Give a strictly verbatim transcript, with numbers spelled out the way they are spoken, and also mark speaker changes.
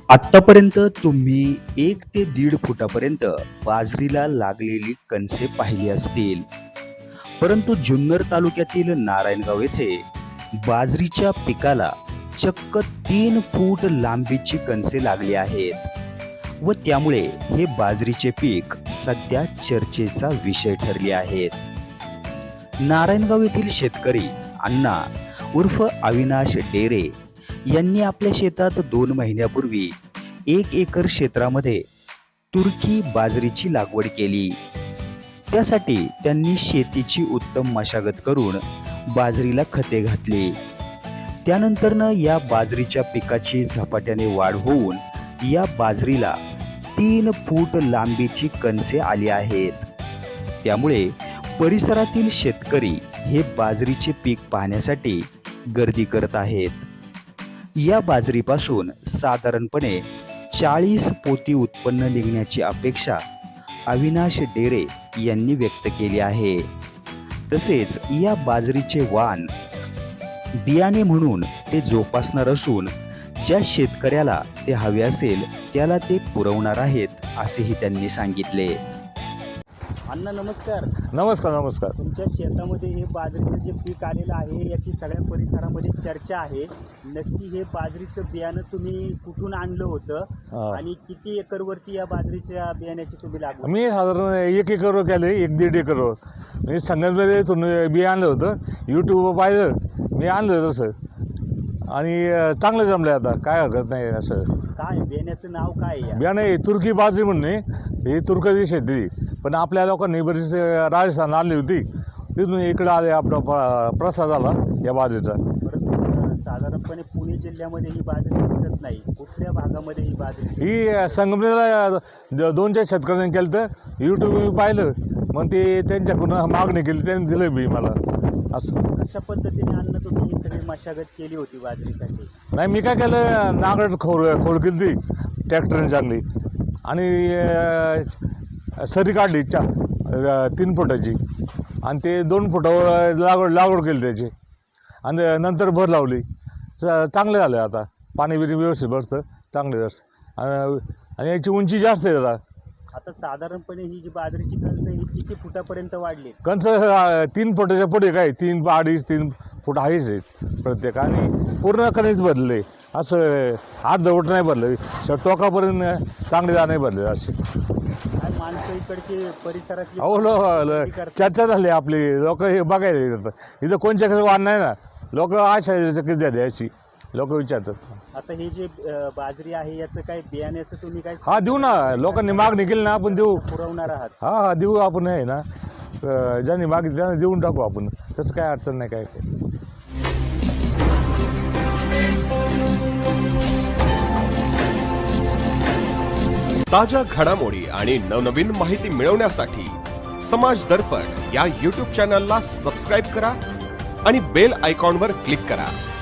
Speaker 1: आत्तापर्यंत तुम्ही एक ते दीड फुटापर्यंत बाजरीला लागलेली कणसे पाहिली असतील. परंतु जुन्नर तालुक्यातील नारायणगाव येथे बाजरीच्या पिकाला चक्क तीन फूट लांबीची कणसे लागली आहेत व त्यामुळे हे बाजरीचे पीक सध्या चर्चेचा विषय ठरले आहेत. नारायणगाव येथील शेतकरी अण्णा उर्फ अविनाश डेरे यांनी आपल्या शेतात दोन महिन्यापूर्वी एक एकर क्षेत्रामध्ये तुर्की बाजरीची लागवड केली. त्यासाठी त्यांनी शेतीची उत्तम मशागत करून बाजरीला खते घातली. त्यानंतरनं या बाजरीच्या पिकाची झपाट्याने वाढ होऊन या बाजरीला तीन फूट लांबीची कणसे आली आहेत. त्यामुळे परिसरातील शेतकरी हे बाजरीचे पीक पाहण्यासाठी गर्दी करत आहेत. या बाजरीपासून साधारणपणे चाळीस पोती उत्पन्न निघण्याची अपेक्षा अविनाश डेरे यांनी व्यक्त केली आहे. तसेच या बाजरीचे वाण बियाणे म्हणून ते जोपासणार असून ज्या शेतकऱ्याला ते हवे असेल त्याला ते पुरवणार आहेत असेही त्यांनी सांगितले. अण्णा नमस्कार.
Speaker 2: नमस्कार नमस्कार.
Speaker 1: तुमच्या शेतामध्ये हे बाजरीचं जे पीक आलेलं आहे याची सगळ्या परिसरामध्ये चर्चा आहे. नक्की हे बाजरीचं बियाणं तुम्ही कुठून आणलं होतं आणि किती एकर वरती या बाजरीच्या बियाण्याची तुम्ही लागवड?
Speaker 2: मी साधारण एक एकर केले, एक दीड एकर. मी संगमनेरतून बिया आणलं होतं, यूट्यूबवर पाहिलं, मी आणलं तसं आणि चांगलं जमलं. आता काय हरकत नाही. असं
Speaker 1: काय बियाण्याचं नाव काय आहे?
Speaker 2: बियाणे तुर्की बाजरी म्हणणे, ही तुर्की शेती. पण आपल्या लोकांनी बरीच राजस्थान आणली होती, तिथून इकडं आले आपला प्रसाद आला या बाजरीचा.
Speaker 1: साधारणपणे पुणे जिल्ह्यामध्ये ही बाजरी दिसत नाही. कुठल्या भागामध्ये ही बाजरी?
Speaker 2: ही संगमनेरला दोन चार शेतकऱ्यांनी केलं तर यूट्यूब पाहिलं, मग ते त्यांच्याकडून मागणी केली, त्यांनी दिलं बी मला. असं
Speaker 1: अशा पद्धतीने अन्न तुम्ही ही सगळी मशागत केली होती बाजरीसाठी?
Speaker 2: नाही, मी काय केलं, नांगरट खोल खोल केली ती ट्रॅक्टरने चांगली आणि सरी काढली चा तीन फुटाची आणि ते दोन फुटावर लागवड लागवड केली त्याची आणि नंतर भर लावली. च चांगलं झालं. आता पाणी बिणी व्यवस्थित भरतं, चांगलं जास्त आणि याची उंची जास्त आहे. जरा
Speaker 1: आता साधारणपणे ही जी बाजरीची कणस ही किती फुटापर्यंत वाढली?
Speaker 2: कंच तीन फुटाच्या पुढे काय तीन अडीच तीन फूट आहेच आहेत प्रत्येक. आणि पूर्ण कणीस भरले, असं अर्धवट नाही भरलं, टोकापर्यंत चांगले नाही भरले असे.
Speaker 1: माणसं इकडचे परिसरातली
Speaker 2: हो लो चर्चा झाली आपली. लोक हे बघायला येतात इथं, कोणच्याकडे वाण नाही ना. लोक आशा किती झाली अशी लोक विचारतात.
Speaker 1: आता हे जे बाजरी आहे याचं काय बियाण्याचं तुम्ही काय?
Speaker 2: हा देऊ ना, लोकांनी मागणी केली ना आपण देऊ,
Speaker 1: पुरवणार आहात?
Speaker 2: हा हा देऊ आपण. आहे ना, ज्यांनी मागितली त्यांना देऊन टाकू आपण, त्याचं काय अडचण नाही. काय
Speaker 3: ताज्या घडामोडी आणि नवनवीन माहिती मिळवण्यासाठी समाज दर्पण या यूट्यूब चॅनलला सबस्क्राईब करा आणि बेल आयकॉनवर क्लिक करा.